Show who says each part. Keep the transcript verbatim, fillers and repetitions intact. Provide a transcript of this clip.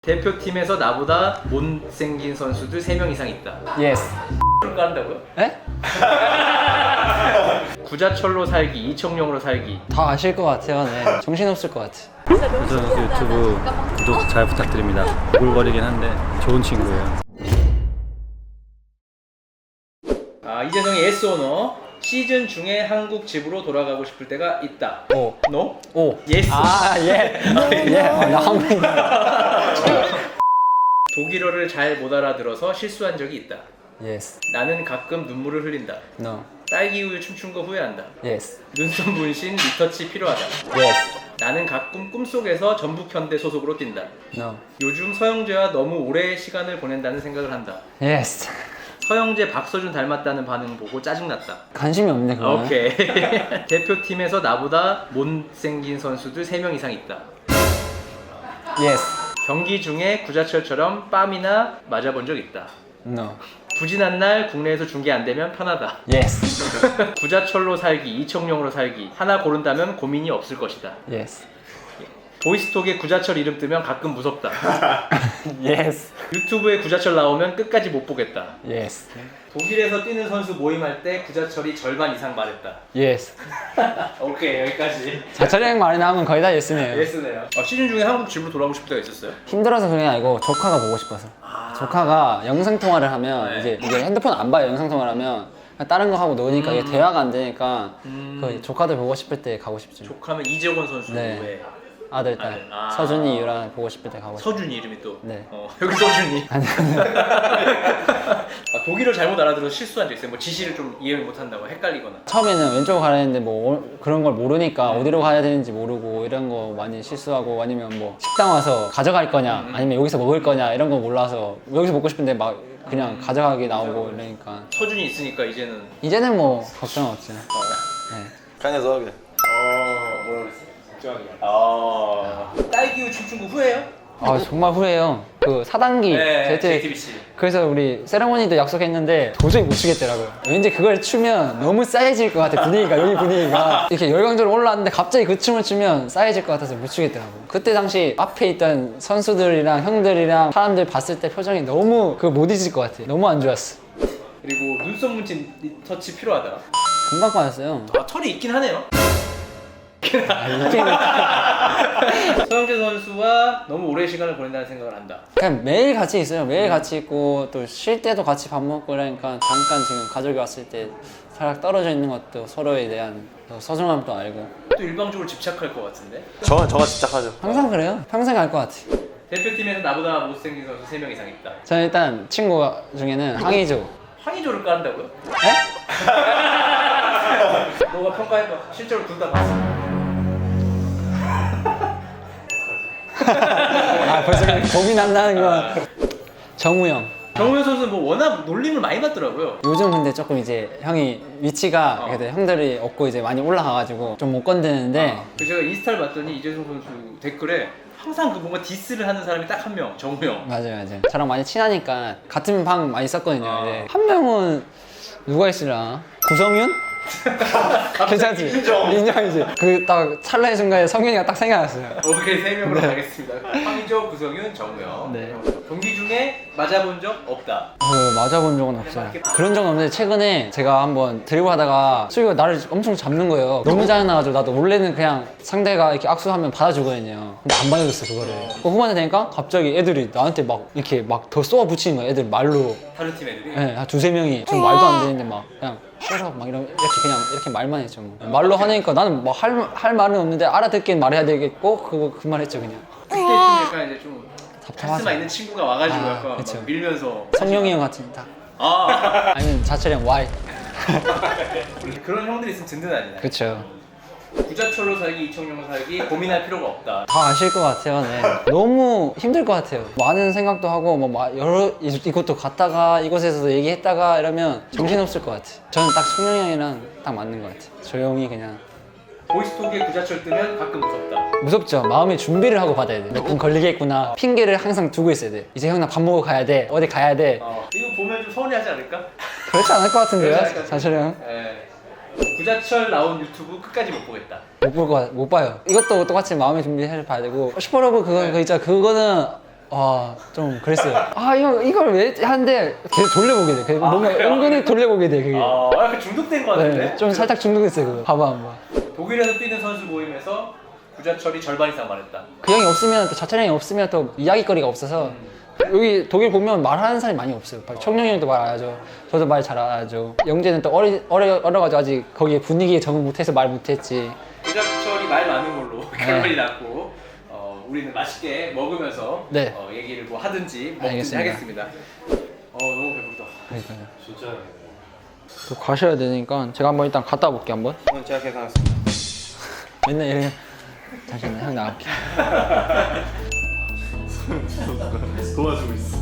Speaker 1: 대표팀에서 나보다 못생긴 선수들 세 명 이상 있다.
Speaker 2: 예스.
Speaker 1: X를 까는다고요?
Speaker 2: 에?
Speaker 1: 구자철로 살기, 이청용으로 살기.
Speaker 2: 다 아실 것 같아요. 네. 정신없을 것 같아.
Speaker 3: 선수 유튜브 구독 잘 부탁드립니다. 오글거리긴 한데 좋은 친구예요.
Speaker 1: 아, 이재성의 예스 오너. 시즌 중에 한국 집으로 돌아가고 싶을 때가 있다.
Speaker 2: 오.
Speaker 1: 노?
Speaker 2: 오.
Speaker 1: 예스.
Speaker 2: 아, 예. 예. 아, 나 한국인.
Speaker 1: 독일어를 잘 못 알아들어서 실수한 적이 있다.
Speaker 2: 예스.
Speaker 1: 나는 가끔 눈물을 흘린다.
Speaker 2: No.
Speaker 1: 딸기 우유 춤춘 거 후회한다.
Speaker 2: 예스.
Speaker 1: 눈썹 문신 리터치 필요하다.
Speaker 2: 예스.
Speaker 1: 나는 가끔 꿈속에서 전북현대 소속으로 뛴다.
Speaker 2: No.
Speaker 1: 요즘 서영재와 너무 오래 시간을 보낸다는 생각을 한다.
Speaker 2: 예스.
Speaker 1: 서영재 박서준 닮았다는 반응 보고 짜증났다.
Speaker 2: 관심이 없네, 그거는.
Speaker 1: 오케이. 대표팀에서 나보다 못생긴 선수들 세 명 이상 있다.
Speaker 2: 예스.
Speaker 1: 경기 중에 구자철처럼 빰이나 맞아본 적 있다.
Speaker 2: No.
Speaker 1: 부진한 날 국내에서 중계 안 되면 편하다.
Speaker 2: 예스.
Speaker 1: 구자철로 살기, 이청용으로 살기. 하나 고른다면 고민이 없을 것이다.
Speaker 2: 예스.
Speaker 1: 보이스톡에 구자철 이름 뜨면 가끔 무섭다.
Speaker 2: 예스.
Speaker 1: 유튜브에 구자철 나오면 끝까지 못 보겠다.
Speaker 2: 예스.
Speaker 1: 독일에서 뛰는 선수 모임할 때 구자철이 절반 이상 말했다.
Speaker 2: 예스.
Speaker 1: 오케이, 여기까지.
Speaker 2: 자철형 말이 나오면 거의 다 예스네요.
Speaker 1: 예스네요. 어, 시즌 중에 한국 집으로 돌아오고 싶을 때가 있었어요?
Speaker 2: 힘들어서 그런 게 아니고 조카가 보고 싶어서. 조카가 영상 통화를 하면
Speaker 1: 네.
Speaker 2: 이제 이게 핸드폰 안 봐요. 영상 통화를 하면 그냥 다른 거 하고 노니까
Speaker 1: 음.
Speaker 2: 이게 대화가 안 되니까
Speaker 1: 음.
Speaker 2: 그 조카들 보고 싶을 때 가고 싶죠.
Speaker 1: 조카면 이재권 선수
Speaker 2: 네.
Speaker 1: 외에
Speaker 2: 아들 딸
Speaker 1: 아들. 아.
Speaker 2: 서준이 유라 보고 싶을 때 가고 싶어.
Speaker 1: 서준이 이름이 또.
Speaker 2: 네.
Speaker 1: 어, 여기 서준이.
Speaker 2: 아니
Speaker 1: 아, 독일어 잘못 알아들어서 실수한 적 있어요? 뭐 지시를 좀 이해를 못한다고 헷갈리거나.
Speaker 2: 처음에는 왼쪽으로 가야 되는데 뭐 어- 그런 걸 모르니까 어디로 가야 되는지 모르고 이런 거 많이 실수하고 아니면 뭐 식당 와서 가져갈 거냐 아니면 여기서 먹을 거냐 이런 거 몰라서 여기서 먹고 싶은데 막 그냥 가져가기 나오고 이러니까
Speaker 1: 서준이 있으니까 이제는.
Speaker 2: 이제는 뭐 걱정 없지. 네.
Speaker 4: Keine Sorge.
Speaker 1: 어, 뭐라고 그랬어? 걱정하지 마. 아. 딸기우 춤춘 거 후회해요?
Speaker 2: 아 정말 후회해요. 그 사 단기
Speaker 1: 네,
Speaker 2: 제이티
Speaker 1: 제이티비씨.
Speaker 2: 그래서 우리 세레모니도 약속했는데 도저히 못 추겠더라고요. 왠지 그걸 추면 너무 싸해질 것 같아. 분위기가 여기 분위기가 이렇게 열광적으로 올라왔는데 갑자기 그 춤을 추면 싸해질 것 같아서 못 추겠더라고요. 그때 당시 앞에 있던 선수들이랑 형들이랑 사람들 봤을 때 표정이 너무 그 못 잊을 것 같아. 너무 안 좋았어.
Speaker 1: 그리고 눈썹 문신 리터치 필요하다.
Speaker 2: 금방 빠졌어요.
Speaker 1: 아, 털이 있긴 하네요.
Speaker 2: 아, 이게
Speaker 1: 서영재 선수와 너무 오래 시간을 보낸다는 생각을 한다.
Speaker 2: 그냥 매일 같이 있어요. 매일 같이 있고 또 쉴 때도 같이 밥 먹고 그러니까 잠깐 지금 가족이 왔을 때 살짝 떨어져 있는 것도 서로에 대한 소중함도 알고
Speaker 1: 또 일방적으로 집착할 것 같은데.
Speaker 4: 저, 저가 집착하죠.
Speaker 2: 항상 그래요. 평생 알 것 같아.
Speaker 1: 대표팀에서 나보다 못생긴 선수 세 명 이상 있다.
Speaker 2: 저는 일단 친구 중에는 항의조.
Speaker 1: 황의조를 까는다고요?
Speaker 2: 에?
Speaker 1: 너가 평가해봐. 실제로 둘 다 봤어.
Speaker 2: 아 벌써 겁이 난다는 건 정우영.
Speaker 1: 정우영 선수는 뭐 워낙 놀림을 많이 받더라고요.
Speaker 2: 요즘 근데 조금 이제 형이 위치가
Speaker 1: 어.
Speaker 2: 그래도 형들이 없고 이제 많이 올라가가지고 좀 못 건드는데
Speaker 1: 그 제가 인스타를 봤더니 이재성 선수 댓글에 항상 그 뭔가 디스를 하는 사람이 딱 한 명, 정우영.
Speaker 2: 맞아요 맞아요. 저랑 많이 친하니까 같은 방 많이 썼거든요.
Speaker 1: 어.
Speaker 2: 이제 한 명은 누가 있으려나? 구성윤? 괜찮지?
Speaker 4: 인정.
Speaker 2: 인정이지. 그 딱 찰나의 순간에 성윤이가 딱 생각났어요.
Speaker 1: 오케이, 세 명으로 가겠습니다. 황의조, 구성윤, 정우영.
Speaker 2: 네.
Speaker 1: 어, 경기 중에 맞아본 적 없다.
Speaker 2: 그 맞아본 적은 없어요. 그런 적은 없는데 최근에 제가 한번 드리블 하다가 수비가 나를 엄청 잡는 거예요. 너무 잘나가지고 나도 원래는 그냥 상대가 이렇게 악수하면 받아주거든요. 근데 안 받아줬어 그거를. 그 후반에 되니까 갑자기 애들이 나한테 막 이렇게 막 더 쏘아 붙이는 거야. 애들 말로.
Speaker 1: 다른 팀 애들이.
Speaker 2: 네, 한 두세 명이 좀 말도 안 되는데 막 그냥 싫어 막 이런 이렇게 그냥 이렇게 말만 했죠. 뭐. 말로 하니까 나는 뭐 할 할 말은 없는데 알아듣긴 말해야 되겠고 그거 그 말 했죠 그냥.
Speaker 1: 그때 좀 약간 이제 좀
Speaker 2: 답답하죠.
Speaker 1: 카리스마 있는 친구가 와가지고
Speaker 2: 아,
Speaker 1: 약간
Speaker 2: 그쵸.
Speaker 1: 막 밀면서.
Speaker 2: 성룡이 형 같은 딱.
Speaker 1: 아.
Speaker 2: 아니면 자철형 Y.
Speaker 1: 그런 형들이 있으면 든든하지.
Speaker 2: 그렇죠.
Speaker 1: 구자철로 살기, 이청용으로 살기 고민할 필요가 없다.
Speaker 2: 다 아실 것 같아요. 네. 너무 힘들 것 같아요. 많은 생각도 하고 뭐 마- 여러 이- 이곳도 갔다가 이곳에서도 얘기했다가 이러면 정신없을 것 같아요. 저는 딱 청룡이 형이랑 딱 맞는 것 같아요. 조용히 그냥
Speaker 1: 보이스톡에 구자철 뜨면 가끔 무섭다.
Speaker 2: 무섭죠. 마음의 준비를 하고 받아야 돼. 몇 분 걸리겠구나. 핑계를 항상 두고 있어야 돼. 이제 형 나 밥 먹으러 가야 돼. 어디 가야 돼.
Speaker 1: 어, 이거 보면 좀 서운해하지 않을까?
Speaker 2: 그렇지 않을 것 같은데요.
Speaker 1: 그렇지 않을까?
Speaker 2: 자철형
Speaker 1: 예. 구자철 나온 유튜브 끝까지 못 보겠다.
Speaker 2: 못 볼 거 못 봐요. 이것도 똑같이 마음의 준비를 봐야 되고 슈퍼러브 그거 그거 있잖아. 그거는 아, 좀 그랬어요. 아, 이거, 이걸 왜 하는데 계속 돌려보게 돼. 계속 뭔가
Speaker 1: 그래요?
Speaker 2: 은근히 돌려보게 돼, 그게.
Speaker 1: 아, 약간 중독된 것 같은데?
Speaker 2: 네, 좀 살짝 중독했어요, 그거. 봐봐, 한번.
Speaker 1: 독일에서 뛰는 선수 모임에서 구자철이 절반 이상 말했다.
Speaker 2: 그 형이 없으면, 또 자철 형이 없으면 또 이야기거리가 없어서 여기 독일 보면 말하는 사람이 많이 없어요. 청룡이 형도 말 안 하죠. 저도 말 잘 안 하죠. 영재는 또 어리, 어려, 어려가지고 아직 거기에 분위기에 적응 못해서 말 못했지.
Speaker 1: 구자철이 말 많은 걸로 결론이 났고 어, 우리는 맛있게 먹으면서
Speaker 2: 네.
Speaker 1: 어, 얘기를 뭐 하든지 먹든지
Speaker 2: 알겠습니다.
Speaker 1: 하겠습니다. 어, 너무 배부르다.
Speaker 2: 그러니까요. 진짜. 또 가셔야 되니까 제가 한번 일단 갔다 올게요, 한번.
Speaker 4: 오늘 제가 계산하겠습니다.
Speaker 2: 맨날 이래. 잠시만요, 형 나갈게.
Speaker 4: 도와주고 있어.